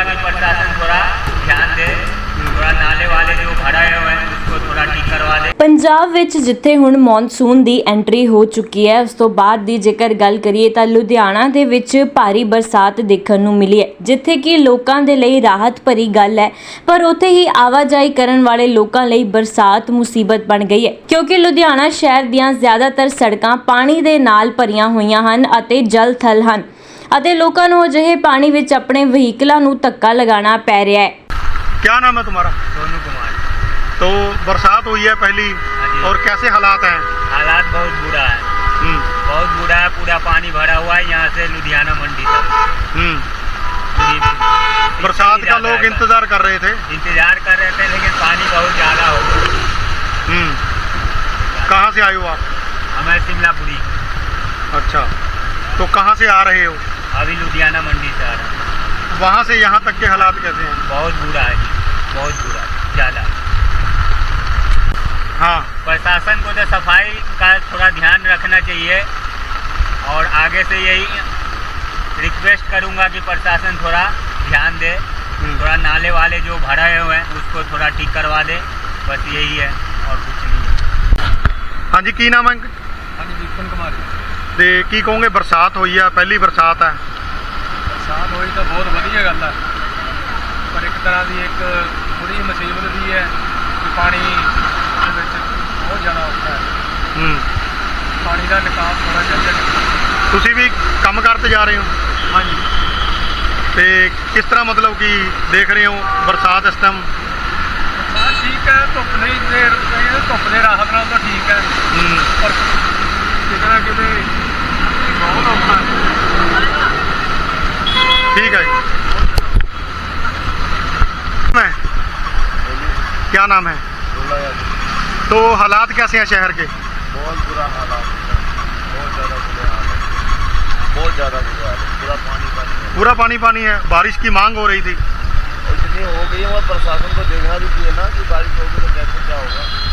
कहूँगा कि प्रशासन थोड़ा ध्यान दे, थोड़ा नाले वाले जो भरे हुए हैं उसको थोड़ा ठीक करवा दे। ਪੰਜਾਬ ਵਿੱਚ ਜਿੱਥੇ ਹੁਣ ਮੌਨਸੂਨ ਦੀ ਐਂਟਰੀ ਹੋ ਚੁੱਕੀ ਹੈ, ਉਸ ਤੋਂ ਬਾਅਦ ਦੀ ਜੇਕਰ ਗੱਲ ਕਰੀਏ ਤਾਂ ਲੁਧਿਆਣਾ ਦੇ ਵਿੱਚ ਭਾਰੀ ਬਰਸਾਤ ਦੇਖਣ ਨੂੰ ਮਿਲੀ ਹੈ, ਜਿੱਥੇ ਕਿ ਲੋਕਾਂ ਦੇ ਲਈ ਰਾਹਤ ਭਰੀ ਗੱਲ ਹੈ, ਪਰ ਉੱਥੇ ਹੀ ਆਵਾਜਾਈ ਕਰਨ ਵਾਲੇ ਲੋਕਾਂ ਲਈ ਬਰਸਾਤ ਮੁਸੀਬਤ ਬਣ ਗਈ ਹੈ, ਕਿਉਂਕਿ ਲੁਧਿਆਣਾ ਸ਼ਹਿਰ ਦੀਆਂ ਜ਼ਿਆਦਾਤਰ ਸੜਕਾਂ ਪਾਣੀ ਦੇ ਨਾਲ ਭਰੀਆਂ ਹੋਈਆਂ ਹਨ ਅਤੇ ਜਲ ਥਲ ਹਨ ਅਤੇ ਲੋਕਾਂ ਨੂੰ ਅਜਿਹੇ ਪਾਣੀ ਵਿੱਚ ਆਪਣੇ ਵਹੀਕਲਾਂ ਨੂੰ ਧੱਕਾ ਲਗਾਉਣਾ ਪੈ ਰਿਹਾ ਹੈ। क्या नाम है तुम्हारा? सोनू कुमार। तो बरसात हुई है पहली, और कैसे हालात हैं? हालात बहुत बुरा है, बहुत बुरा है। पूरा पानी भरा हुआ है यहाँ से लुधियाना मंडी तक। बरसात का लोग इंतजार कर रहे थे, लेकिन पानी बहुत ज़्यादा हो गया। कहाँ से आए हो आप? हमें शिमलापुरी। अच्छा, तो कहाँ से आ रहे हो? अभी लुधियाना मंडी से आ रहा हूँ। वहाँ से यहाँ तक के हालात कैसे हैं? बहुत बुरा है जी, बहुत बुरा, ज़्यादा। हाँ, प्रशासन को तो सफाई का थोड़ा ध्यान रखना चाहिए, और आगे से यही रिक्वेस्ट करूँगा कि प्रशासन थोड़ा ध्यान दे, थोड़ा नाले वाले जो भरे हुए हैं उसको थोड़ा ठीक करवा दे। बस यही है और कुछ नहीं है। हाँ जी, की नाम है? हाँ जी, विपिन कुमार। ते की कहोगे, बरसात हुई है, पहली बरसात है, बरसात हुई तो बहुत वधिया गल है, पर एक तरह की एक थोड़ी मुसीबत भी है कि पानी दे विच बहुत ज़्यादा औखा है। पानी का निकास होना चाहिए। तुसी भी काम करते जा रहे हो? हाँ जी। ते किस तरह मतलब कि देख रहे हो बरसात इस टाइम? बरसात ठीक है, धुप नहीं दे धुप दे राहत नाल तो ठीक है, पर किते ना किते बहुत औखा है। ठीक है जी। मैं क्या नाम है? तो हालात कैसे हैं शहर के? बहुत बुरा हालात है, बहुत ज़्यादा बुरे हाल है, बहुत ज़्यादा बुरा हाल है। पूरा पानी पानी है, पूरा पानी पानी है। बारिश की मांग हो रही थी, और इतनी हो गई है, और प्रशासन को देखना भी चाहिए ना कि बारिश होगी तो कैसे क्या होगा।